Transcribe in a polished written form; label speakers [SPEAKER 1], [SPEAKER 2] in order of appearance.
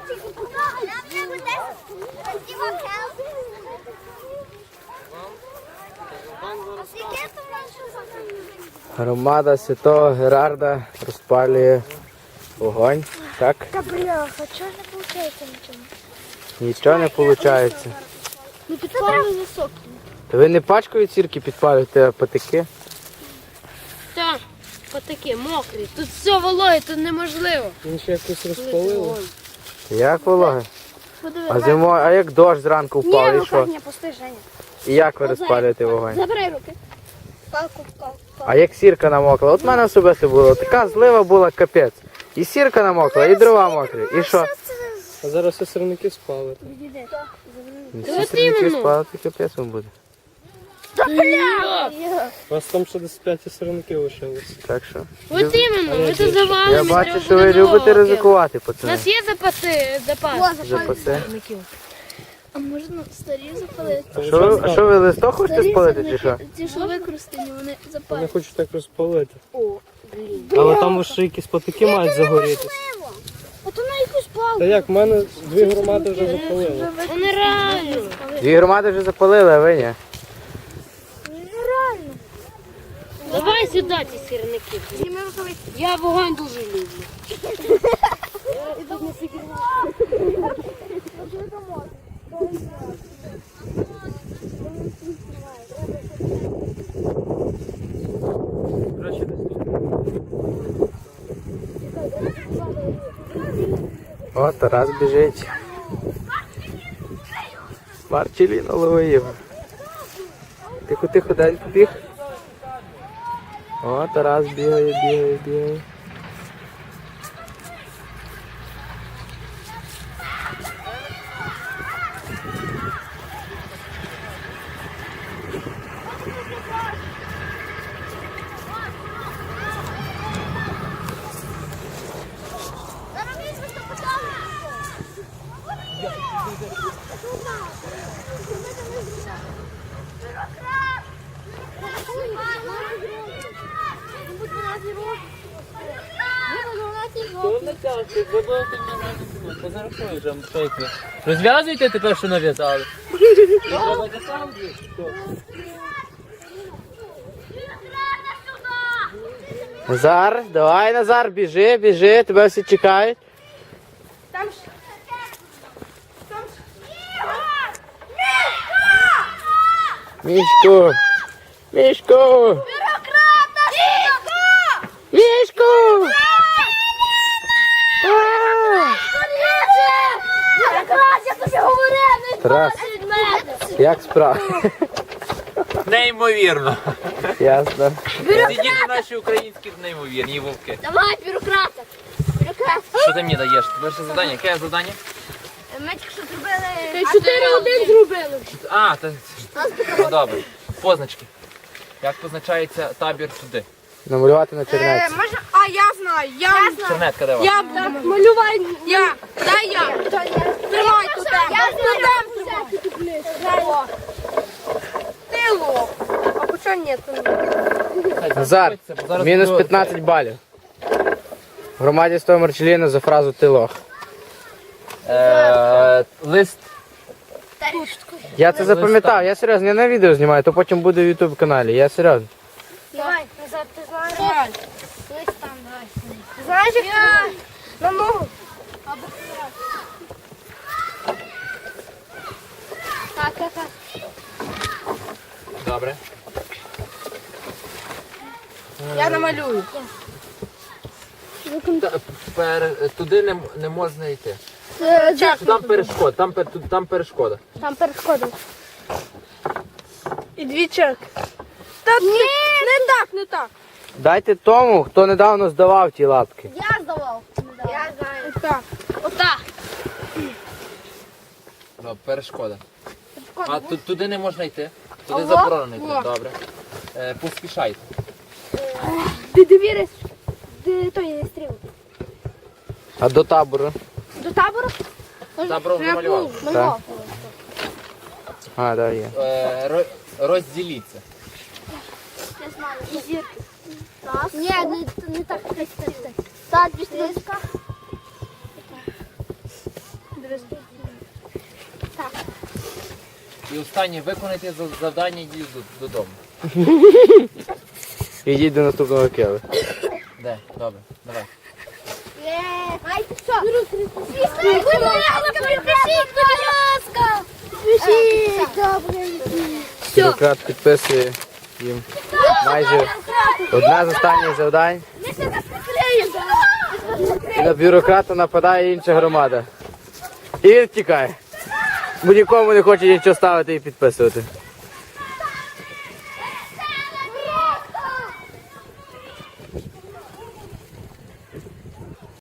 [SPEAKER 1] Громада Святого Герарда розпалює вогонь, так?
[SPEAKER 2] Та бляха, чого не виходить нічого?
[SPEAKER 1] Нічого не виходить.
[SPEAKER 2] Ну підпалює високі.
[SPEAKER 1] Та ви не пачкою сірки підпалюєте, а патики?
[SPEAKER 3] Так, отакі, мокрі. Тут все вологе, тут неможливо.
[SPEAKER 4] Він ще якось розпалило.
[SPEAKER 1] Як вологе? А зимою, а як дощ зранку впав, і що?
[SPEAKER 2] Ні, пусти, Женя.
[SPEAKER 1] І як ви розпалюєте вогонь?
[SPEAKER 2] Забирай руки. Палку.
[SPEAKER 1] А як сірка намокла? От в мене особисто було. Така злива була, капець. І сірка намокла, і дрова мокрі. І що?
[SPEAKER 4] А зараз все сирники спали.
[SPEAKER 1] Всі сирники спали, то капець вам буде.
[SPEAKER 4] У вас там ще десь 5 сирників лишилось.
[SPEAKER 1] Так що?
[SPEAKER 3] От іменно, ми тут завалимо.
[SPEAKER 1] Я бачу, що ви любите ризикувати,
[SPEAKER 3] У
[SPEAKER 1] пацани.
[SPEAKER 3] нас є запас.
[SPEAKER 1] Запаси.
[SPEAKER 2] А можна старі запалити?
[SPEAKER 1] А що ви листок хочете спалити чи що?
[SPEAKER 2] Ті, що використані, вони
[SPEAKER 4] Я
[SPEAKER 2] запалять.
[SPEAKER 4] хочу так розпалити. Але там ще якісь патики мають загорітися.
[SPEAKER 2] А то на якусь палку.
[SPEAKER 4] Та як, в мене 2 громади вже запалили.
[SPEAKER 3] Це нереально.
[SPEAKER 1] 2 громади вже запалили, а ви ні?
[SPEAKER 2] Нереально.
[SPEAKER 3] Давай сюди ці сірники. Я вогонь дуже люблю.
[SPEAKER 1] О, Тарас біжить. Марчеліно ловив. Тихо, дай побіг. О, Тарас бігає.
[SPEAKER 5] Розв'язуйте тепер, що нав'язали.
[SPEAKER 1] Назар, давай, Назар, біжи, тебе всі чекають. Мішку! Мішку! Мішку! Тарас, як справа?
[SPEAKER 5] Неймовірно.
[SPEAKER 1] Ясно.
[SPEAKER 5] Єдині наші українські неймовірні вовки.
[SPEAKER 2] Давай, бюрократа.
[SPEAKER 5] Що ти мені даєш? Перше завдання. Яке завдання?
[SPEAKER 2] Ми тільки що зробили 4-1 зробили.
[SPEAKER 5] А, ну добре. Позначки. Як позначається табір туди?
[SPEAKER 1] Намалювати на чернеці.
[SPEAKER 6] Можна? А я знаю.
[SPEAKER 5] Чернетка де у вас?
[SPEAKER 6] Я малювай. Дай я. Тримай тут. Ти лох. А по чому ні?
[SPEAKER 1] Назар, мінус 15 балів. В громаді з того Марчеліна за фразу «ти лох».
[SPEAKER 5] Лист.
[SPEAKER 1] Я це запам'ятав, я серйозно, я на відео знімаю, то потім буде в YouTube каналі, я серйозно.
[SPEAKER 2] Давай, назад, ти знаєш. Лист там, давай. Знаєш, як на ногу. Так.
[SPEAKER 5] Добре.
[SPEAKER 6] Я намалюю.
[SPEAKER 5] Туди не можна йти. Там перешкода. Там перешкода.
[SPEAKER 2] Там перешкода.
[SPEAKER 6] І 2 черки. Та ні, не так.
[SPEAKER 1] Дайте тому, хто недавно здавав ті лапки.
[SPEAKER 2] Я здавав. Я знаю.
[SPEAKER 6] Так.
[SPEAKER 2] Отак.
[SPEAKER 5] Перешкода. А туди не можна йти. Туди заборонено йти. Добре. Поспішайте.
[SPEAKER 2] Ти довіриш? Де той не стріл?
[SPEAKER 1] А до табору?
[SPEAKER 2] До табору?
[SPEAKER 5] Табором замалював.
[SPEAKER 1] Так. А, да, є.
[SPEAKER 5] Розділіться.
[SPEAKER 2] Я знаю. І зірки. Раз. Ні, не так. Так, без тріска.
[SPEAKER 5] І останнє, виконайте завдання і йдіть додому.
[SPEAKER 1] Ідіть до наступного кіли.
[SPEAKER 5] Де? Добре, давай.
[SPEAKER 2] Ай, що? Підпишіть, будь ласка. Підпишіть, добре.
[SPEAKER 1] Бюрократ підписує їм майже одне з останніх завдань. І на бюрократа нападає інша громада. І він втікає. Бо нікому не хоче нічого ставити і підписувати.